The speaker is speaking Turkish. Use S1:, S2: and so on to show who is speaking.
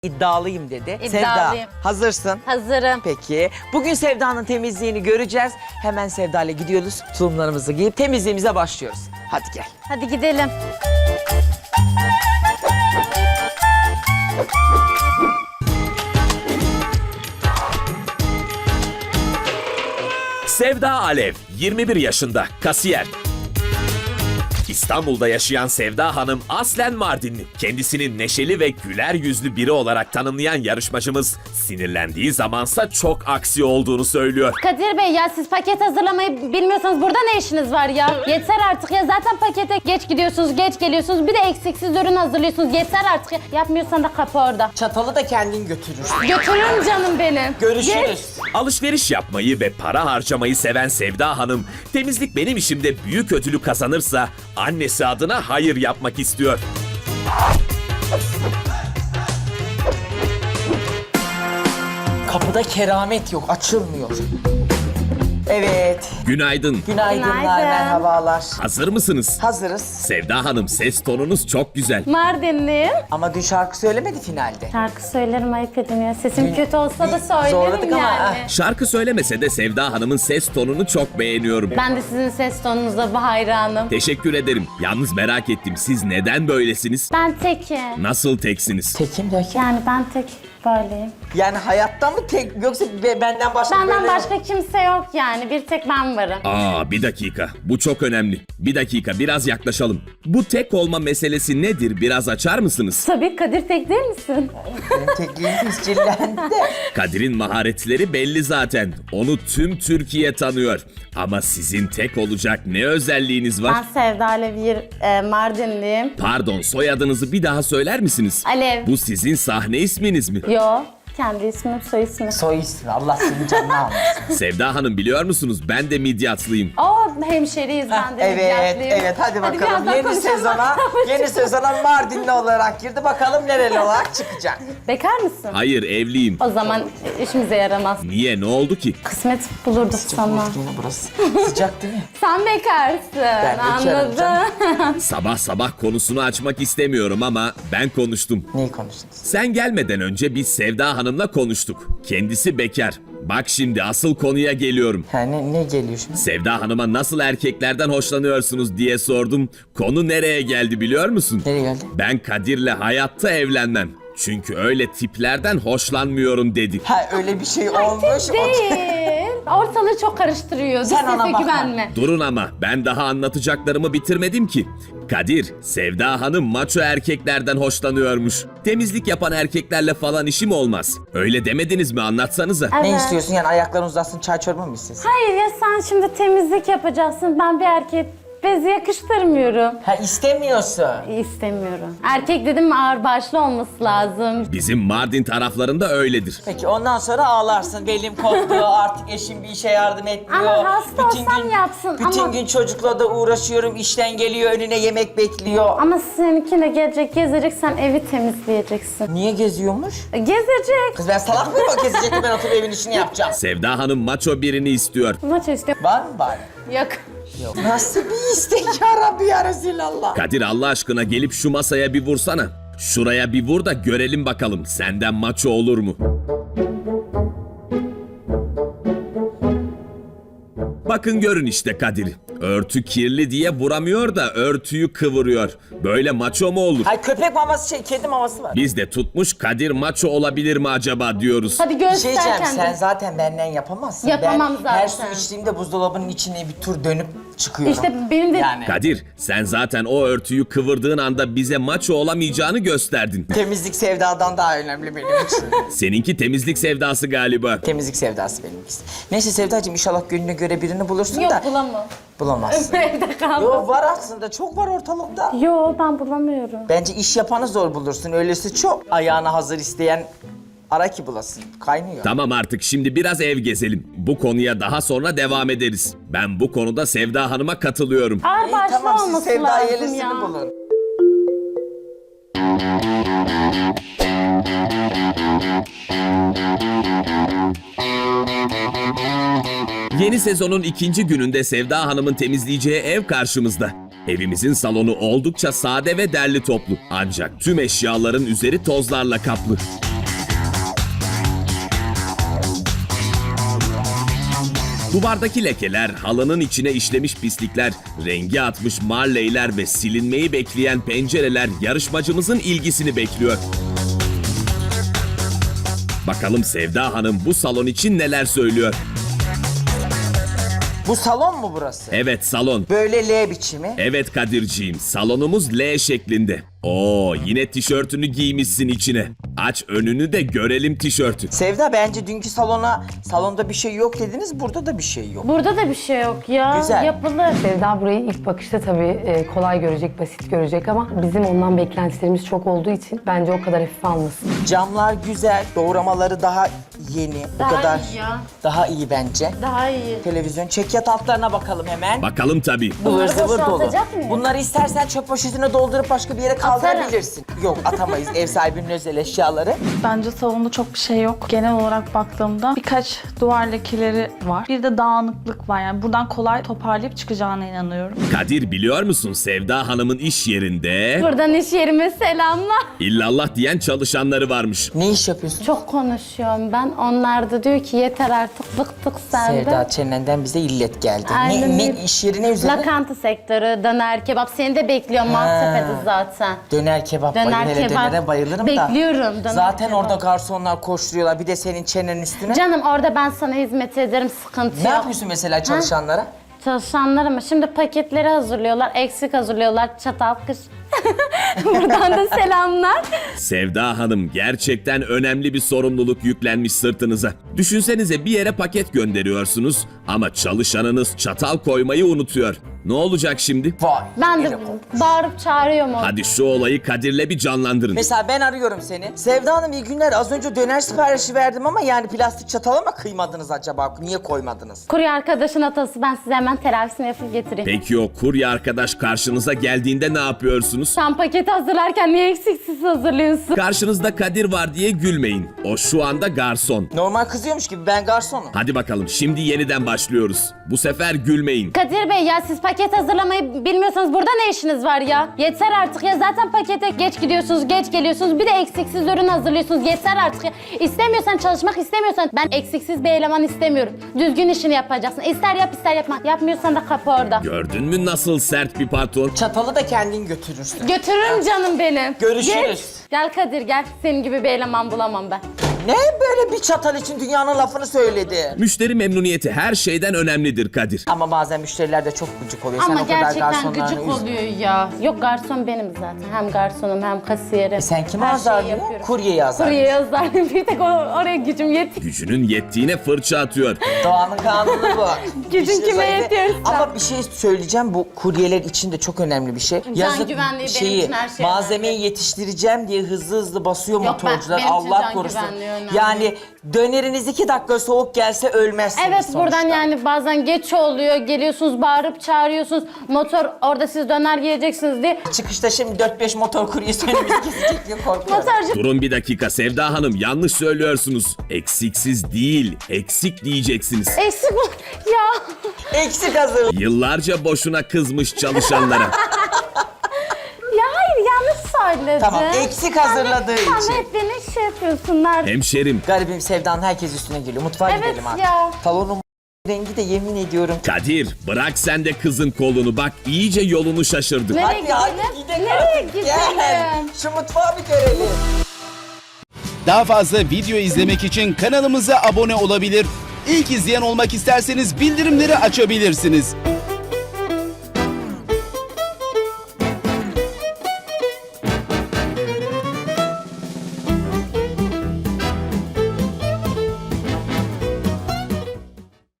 S1: İddialıyım dedi.
S2: İddialıyım.
S1: Sevda hazırsın.
S2: Hazırım.
S1: Peki. Bugün Sevda'nın temizliğini göreceğiz. Hemen Sevda ile gidiyoruz. Tulumlarımızı giyip temizliğimize başlıyoruz. Hadi gel.
S2: Hadi gidelim.
S3: Sevda Alev, 21 yaşında, kasiyer. İstanbul'da yaşayan Sevda Hanım aslen Mardinli. Kendisini neşeli ve güler yüzlü biri olarak tanımlayan yarışmacımız sinirlendiği zamansa çok aksi olduğunu söylüyor.
S2: Kadir Bey ya siz paket hazırlamayı bilmiyorsanız burada ne işiniz var ya? Yeter artık ya zaten pakete geç gidiyorsunuz, geç geliyorsunuz. Bir de eksiksiz ürün hazırlıyorsunuz. Yeter artık ya. Yapmıyorsan da kapı orada.
S1: Çatalı da kendin götürürsün.
S2: Götürün canım benim.
S1: Görüşürüz.
S3: Alışveriş yapmayı ve para harcamayı seven Sevda Hanım, temizlik benim işimde büyük ödülü kazanırsa annesi adına hayır yapmak istiyor.
S1: Kapıda keramet yok, açılmıyor. Evet.
S3: Günaydın.
S1: Günaydınlar,
S2: Günaydın.
S1: merhabalar.
S3: Hazır mısınız?
S1: Hazırız.
S3: Sevda Hanım, ses tonunuz çok güzel.
S2: Mardinliyim.
S1: Ama dün şarkı söylemedi finalde.
S2: Şarkı söylerim ayıp edin ya. Sesim kötü olsa da söylerim
S1: zorladık ama,
S2: yani.
S3: Şarkı söylemese de Sevda Hanım'ın ses tonunu çok beğeniyorum.
S2: Ben de sizin ses tonunuza hayranım.
S3: Teşekkür ederim. Yalnız merak ettim, siz neden böylesiniz?
S2: Ben tekim.
S3: Nasıl teksiniz?
S1: Tekim derken?
S2: Yani ben tek böyleyim.
S1: Yani hayatta mı tek yoksa benden başka
S2: Benden
S1: böyle...
S2: başka kimse yok yani. Bir tek ben varım.
S3: Aa, bir dakika. Bu çok önemli. Bir dakika, biraz yaklaşalım. Bu tek olma meselesi nedir? Biraz açar mısınız?
S2: Tabii Kadir tek değil misin?
S1: Benim tekliğim piscillendi de.
S3: Kadir'in maharetleri belli zaten. Onu tüm Türkiye tanıyor. Ama sizin tek olacak ne özelliğiniz var?
S2: Ben Sevda Alev Mardinliyim.
S3: Pardon, soyadınızı bir daha söyler misiniz?
S2: Alev.
S3: Bu sizin sahne isminiz mi?
S2: Yo. Kendi ismim, soy ismi.
S1: Soy ismi, Allah senin canını almasın.
S3: Sevda Hanım, biliyor musunuz? Ben de midyatlıyım.
S2: O hemşeriyiz ben de.
S1: Evet,
S2: Midyatlı'yım.
S1: evet. Hadi bakalım.
S2: birazdan
S1: Yeni
S2: konuşalım.
S1: sezona Mardinli olarak girdi. Bakalım nereli olarak çıkacak.
S2: Bekar mısın?
S3: Hayır, evliyim.
S2: O zaman işimize yaramaz.
S3: Niye, ne oldu ki?
S2: Kısmet bulurduk sana.
S1: Yine burası. Sıcak değil mi?
S2: Sen bekarsın.
S1: bekarım
S2: Anladım.
S3: Sabah sabah konusunu açmak istemiyorum ama ben konuştum.
S1: Neyi konuştunuz?
S3: Sen gelmeden önce biz Sevda Hanım'la konuştuk. Kendisi bekar. Bak şimdi asıl konuya geliyorum.
S1: Ha, ne geliyor şimdi?
S3: Sevda Hanım'a nasıl erkeklerden hoşlanıyorsunuz diye sordum. Konu nereye geldi biliyor musun?
S1: Nereye geldi?
S3: Ben Kadir'le hayatta evlenmem. Çünkü öyle tiplerden hoşlanmıyorum dedi.
S1: Ha öyle bir şey olmuş.
S2: Değil. Ortalığı çok karıştırıyor.
S1: Sen ona
S2: Sese
S1: bakma.
S2: güvenme.
S3: Durun ama ben daha anlatacaklarımı bitirmedim ki. Kadir, Sevda Hanım maço erkeklerden hoşlanıyormuş. Temizlik yapan erkeklerle falan işim olmaz. Öyle demediniz mi, anlatsanıza.
S1: Ne
S2: Evet.
S1: istiyorsun yani ayakların uzatsın çay çorba mı istiyorsun?
S2: Hayır ya sen şimdi temizlik yapacaksın. Ben bir erkek bezi yakıştırmıyorum.
S1: Ha istemiyorsun.
S2: İstemiyorum. Erkek dedim mi ağır başlı olması lazım.
S3: Bizim Mardin taraflarında öyledir.
S1: Peki ondan sonra ağlarsın. Belim koptu artık eşim bir işe yardım etmiyor.
S2: Ama hasta olsam yapsın
S1: Bütün
S2: ama-
S1: gün çocukla da uğraşıyorum. İşten geliyor önüne yemek bekliyor.
S2: Ama seninki de gelecek, gezecek, sen evi temizleyeceksin.
S1: Niye geziyormuş?
S2: Gezecek.
S1: Kız ben salak mıyım o gezecekti ben oturup evin işini yapacağım.
S3: Sevda Hanım maço birini istiyor.
S2: Maç istiyor.
S1: Var mı bari?
S2: Yok.
S1: Nasıl bir istek ya Rabbi ya Resulallah.
S3: Kadir, Allah aşkına gelip şu masaya bir vursana. Şuraya bir vur da görelim bakalım senden maço olur mu? Bakın görün işte Kadir. Örtü kirli diye vuramıyor da örtüyü kıvırıyor. Böyle maço mu olur?
S1: Hay köpek maması kedi maması var.
S3: Biz de tutmuş Kadir maço olabilir mi acaba diyoruz.
S2: Hadi
S1: Bir şey
S2: göster
S1: diyeceğim
S2: kendini.
S1: sen zaten benden yapamazsın.
S2: Yapamam
S1: ben her su
S2: zaten.
S1: içtiğimde buzdolabının içine bir tur dönüp çıkıyorum.
S2: İşte benim de
S1: Yani
S3: Kadir, sen zaten o örtüyü kıvırdığın anda bize maço olamayacağını gösterdin.
S1: temizlik sevdadan daha önemli benim için.
S3: Seninki temizlik sevdası galiba.
S1: Temizlik sevdası benimkisi. Neyse Sevdacığım inşallah gönlüne göre birini bulursun
S2: yok
S1: da
S2: bulamam.
S1: bulamazsın.
S2: Evde kaldım.
S1: Yo var aslında çok var ortalıkta.
S2: Yo ben bulamıyorum.
S1: Bence iş yapanı zor bulursun. Öylesi çok ayağına hazır isteyen ara ki bulasın. Kaynıyor.
S3: Tamam artık, şimdi biraz ev gezelim. Bu konuya daha sonra devam ederiz. Ben bu konuda Sevda Hanım'a katılıyorum.
S2: Ağır
S1: İyi,
S2: başlı
S1: tamam siz
S2: olması
S1: Sevda
S2: lazım
S1: Yelesini
S2: ya.
S1: bulun.
S3: Yeni sezonun ikinci gününde Sevda Hanım'ın temizleyeceği ev karşımızda. Evimizin salonu oldukça sade ve derli toplu. Ancak tüm eşyaların üzeri tozlarla kaplı. Duvardaki lekeler, halının içine işlemiş pislikler, rengi atmış marleyler ve silinmeyi bekleyen pencereler yarışmacımızın ilgisini bekliyor. Bakalım Sevda Hanım bu salon için neler söylüyor?
S1: Bu salon mu burası?
S3: Evet, salon.
S1: Böyle L biçimi.
S3: Evet Kadirciğim, salonumuz L şeklinde. Oo, yine tişörtünü giymişsin içine. Aç önünü de görelim tişörtü.
S1: Sevda, bence dünkü salonda bir şey yok dediniz, burada da bir şey yok.
S2: Burada da bir şey yok ya.
S1: Güzel.
S2: Yapılır.
S4: Sevda burayı ilk bakışta tabii kolay görecek, basit görecek ama bizim ondan beklentilerimiz çok olduğu için bence o kadar hafife almasın.
S1: Camlar güzel, doğramaları daha yeni. Bu
S2: Daha
S1: kadar
S2: iyi ya.
S1: daha iyi bence.
S2: Daha iyi.
S1: Televizyon çekyat altlarına bakalım hemen.
S3: Bakalım tabii.
S1: Ivır
S2: Bunları
S1: zıvır dolu.
S2: boşaltacak mıyız?
S1: Bunları istersen çöp poşetine doldurup başka bir yere kaldırabilirsin. Yok, atamayız ev sahibinin özel eşyaları.
S5: Bence salonda çok bir şey yok. Genel olarak baktığımda birkaç duvar lekeleri var. Bir de dağınıklık var. Yani buradan kolay toparlayıp çıkacağına inanıyorum.
S3: Kadir, biliyor musun Sevda Hanım'ın iş yerinde
S2: Buradan iş yerime selamlar.
S3: illallah diyen çalışanları varmış.
S1: Ne iş yapıyorsun?
S2: Çok konuşuyorum ben. Onlar da diyor ki yeter artık, bıktık senden.
S1: Sevda, çenenden bize illet geldi.
S2: Aynen
S1: Ne
S2: öyle.
S1: iş yeri ne üzerine?
S2: Lokanta sektörü, döner kebap. Seni de bekliyorum Maltepe'de zaten.
S1: Döner kebap.
S2: Döner
S1: Hele
S2: kebap.
S1: dönere bayılırım da.
S2: Bekliyorum döner
S1: Zaten
S2: kebap.
S1: orada garsonlar koşturuyorlar. Bir de senin çenenin üstüne.
S2: Canım orada ben sana hizmet ederim, sıkıntı
S1: Ne
S2: yok.
S1: yapıyorsun mesela çalışanlara?
S2: Çalışanlar ama şimdi paketleri hazırlıyorlar, eksik hazırlıyorlar, çatal kış. Buradan da selamlar.
S3: Sevda Hanım, gerçekten önemli bir sorumluluk yüklenmiş sırtınıza. Düşünsenize, bir yere paket gönderiyorsunuz ama çalışanınız çatal koymayı unutuyor. Ne olacak şimdi?
S1: Vay.
S2: Ben de
S1: yine bu.
S2: bağırıp çağırıyorum onu.
S3: Hadi şu olayı Kadir'le bir canlandırın.
S1: Mesela ben arıyorum seni. Sevda Hanım, iyi günler. Az önce döner siparişi verdim ama yani plastik çatala mı kıymadınız acaba? Niye koymadınız?
S2: Kurye arkadaşın atası, ben size hemen telavisini yapıp getireyim.
S3: Peki o kurye arkadaş karşınıza geldiğinde ne yapıyorsunuz?
S2: Sen paketi hazırlarken niye eksiksiz hazırlıyorsun?
S3: Karşınızda Kadir var diye gülmeyin. O şu anda garson.
S1: Normal kızıyormuş gibi, ben garsonum.
S3: Hadi bakalım, şimdi yeniden başlıyoruz. Bu sefer gülmeyin.
S2: Kadir Bey ya, siz paket hazırlamayı bilmiyorsanız burada ne işiniz var ya? Yeter artık ya, zaten pakete geç gidiyorsunuz, geç geliyorsunuz. Bir de eksiksiz ürün hazırlıyorsunuz. Yeter artık ya. İstemiyorsan, çalışmak istemiyorsan, ben eksiksiz bir eleman istemiyorum. Düzgün işini yapacaksın. İster yap ister yapma. Yapmıyorsan da kapı orada.
S3: Gördün mü nasıl sert bir patron?
S1: Çatalı da kendin götürürsün.
S2: Götürürüm canım benim.
S1: Görüşürüz.
S2: Geç. Gel Kadir gel. Senin gibi bir eleman bulamam ben.
S1: Ne böyle bir çatal için dünyanın lafını söyledi?
S3: Müşteri memnuniyeti her şeyden önemlidir Kadir.
S1: Ama bazen müşteriler de çok gıcık oluyor.
S2: Ama
S1: Sen o kadar
S2: gerçekten
S1: garsonlarını
S2: gıcık
S1: üzme.
S2: oluyor ya. Yok, garson benim zaten. Hem garsonum hem kasiyerim.
S1: Sen kimi
S2: Her şeyi
S1: azarlıyorsun?
S2: yapıyorum.
S1: Kuryeyi azarlıyorsun.
S2: Kuryeyi azarlıyorum. Bir tek oraya gücüm yetiyor.
S3: Gücünün yettiğine fırça atıyor.
S1: Doğanın kanunu bu.
S2: Gücün
S1: İşte
S2: kime
S1: zayıf-
S2: yetiyorsa.
S1: Ama bir şey söyleyeceğim, bu kuryeler için de çok önemli bir şey.
S2: güvenliği benim için her şey
S1: malzemeyi
S2: önemli.
S1: yetiştireceğim diye hızlı basıyor
S2: Yok,
S1: motorcular.
S2: benim için
S1: Allah
S2: can
S1: korusun.
S2: güvenliği önemli.
S1: Yani döneriniz 2 dakika soğuk gelse ölmezsiniz
S2: Evet,
S1: sonuçta.
S2: buradan yani bazen geç oluyor. Geliyorsunuz, bağırıp çağırıyorsunuz. Motor orada, siz döner yiyeceksiniz diye.
S1: Çıkışta şimdi 4-5 motor kuryesi önümüzü kesecek diye korkuyorum.
S2: Motorcu
S3: Durun bir dakika Sevda Hanım, yanlış söylüyorsunuz. Eksiksiz değil, eksik diyeceksiniz.
S2: eksik mi? Ya.
S1: Eksik hazır.
S3: Yıllarca boşuna kızmış çalışanlara.
S2: Ya hayır, yanlış söyledin.
S1: Tamam, eksik hazırladığı için.
S2: Sen hep beni şey yapıyorsun. Nerede?
S3: Hemşerim,
S1: Garibim, Sevda'nın herkes üstüne geliyor. Mutfağa
S2: Evet
S1: gidelim artık.
S2: ya.
S1: Salonun rengi de yemin ediyorum.
S3: Kadir bırak sen de kızın kolunu, bak iyice yolunu şaşırdı.
S2: Nereye
S1: Hadi hadi
S2: gidelim?
S1: gidelim
S2: Nereye
S1: artık.
S2: gidelim?
S1: Gel. Şu mutfağı bir görelim.
S6: Daha fazla video izlemek için kanalımıza abone olabilir. İlk izleyen olmak isterseniz bildirimleri açabilirsiniz.